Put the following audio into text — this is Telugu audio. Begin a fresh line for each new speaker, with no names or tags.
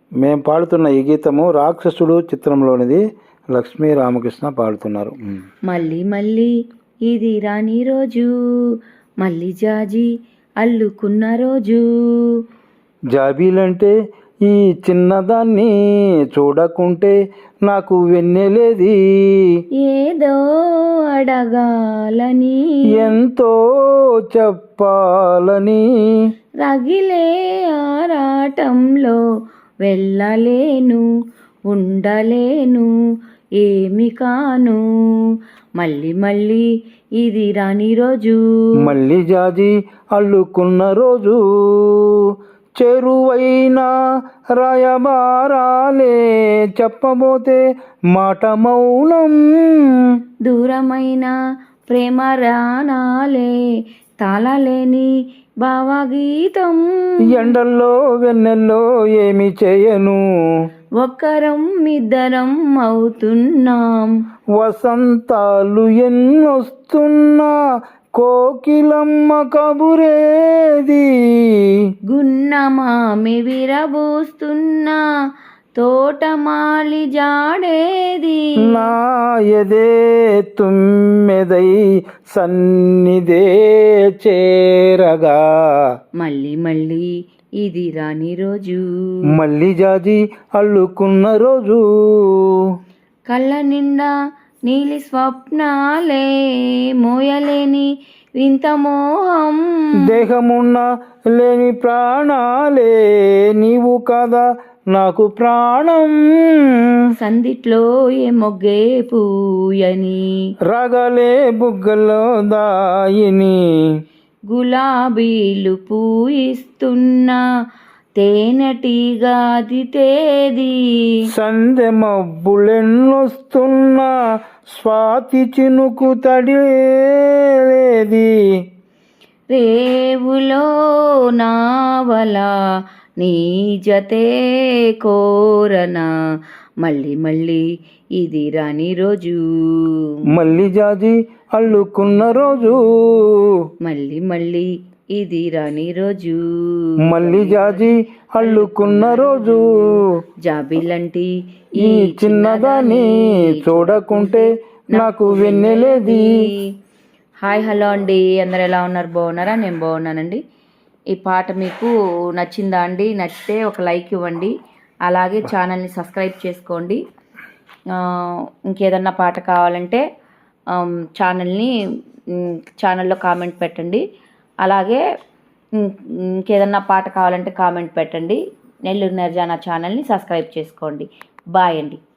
మేము పాడుతున్న ఈ గీతము రాక్షసుడు చిత్రంలోనిది. లక్ష్మీ రామకృష్ణ పాడుతున్నారు.
మళ్ళీ మళ్ళీ ఇది రాని రోజు, మళ్ళీ జాజి అల్లుకున్న రోజు.
జాబీలంటే ఈ చిన్నదాన్ని చూడకుంటే నాకు వెన్నెలేది.
ఏదో అడగాలని,
ఎంతో చెప్పాలని,
రగిలే ఆరాటంలో వెళ్ళలేను, ఉండలేను, ఏమి కాను. మళ్ళీ మళ్ళీ ఇది రాని రోజు,
మళ్ళీ జాజి అల్లుకున్న రోజు. చెరువైన రాయబారాలే చెప్పబోతే మాట మౌనం.
దూరమైన ప్రేమ రానాలే తాళలేని భావగీతం.
ఎండల్లో వెన్నెల్లో ఏమి చేయను,
ఒక్కరం ఇద్దరం అవుతున్నాం.
వసంతాలు ఎన్నొస్తున్నా కోకిలమ్మ కబురేది.
గున్నమామి విరబూస్తున్నా తోటమాలి జాడేది.
నా ఎదే తుమ్మెదై సన్నిదే చేరగా.
మళ్ళీ మళ్ళీ ఇది రాని రోజు,
మళ్ళీ జాజి అల్లుకున్న రోజు.
కళ్ళ నిండా నీలి స్వప్నాలే మోయలేని వింత మోహం.
దేహమున్న లేని ప్రాణాలే నీవు కదా నాకు ప్రాణం.
సందిట్లో ఏ మొగ్గే పూయని,
రగలే బుగ్గలో దాయిని.
గులాబీలు పూయిస్తున్నా తేనెటీగా అది తేది.
సందె మబ్బులెన్నొస్తున్నా స్వాతి చినుకు తడిలేది.
రేవులో నావల నీ జతే కోరనా. మళ్ళీ మళ్ళీ ఇది రాని రోజు,
మళ్ళీ జాజి అల్లుకున్న రోజు.
మళ్ళీ మళ్ళీ ఇది రాని రోజు,
మళ్ళీ జాజి అల్లుకున్న రోజు.
జాబిలంటి
ఈ చిన్నదాన్ని చూడకుంటే నాకు వెన్నెలేది.
హాయ్ హలో అండి, అందరు ఎలా ఉన్నారు? బాగున్నారా? నేను బాగున్నానండి. ఈ పాట మీకు నచ్చిందా అండి? నచ్చితే ఒక లైక్ ఇవ్వండి, అలాగే ఛానల్ని సబ్స్క్రైబ్ చేసుకోండి. ఇంకేదన్నా పాట కావాలంటే ఛానల్లో కామెంట్ పెట్టండి. అలాగే ఇంకేదన్నా పాట కావాలంటే కామెంట్ పెట్టండి. నెల్లూరు నిర్జానా ఛానల్ని సబ్స్క్రైబ్ చేసుకోండి. బాయ్ అండి.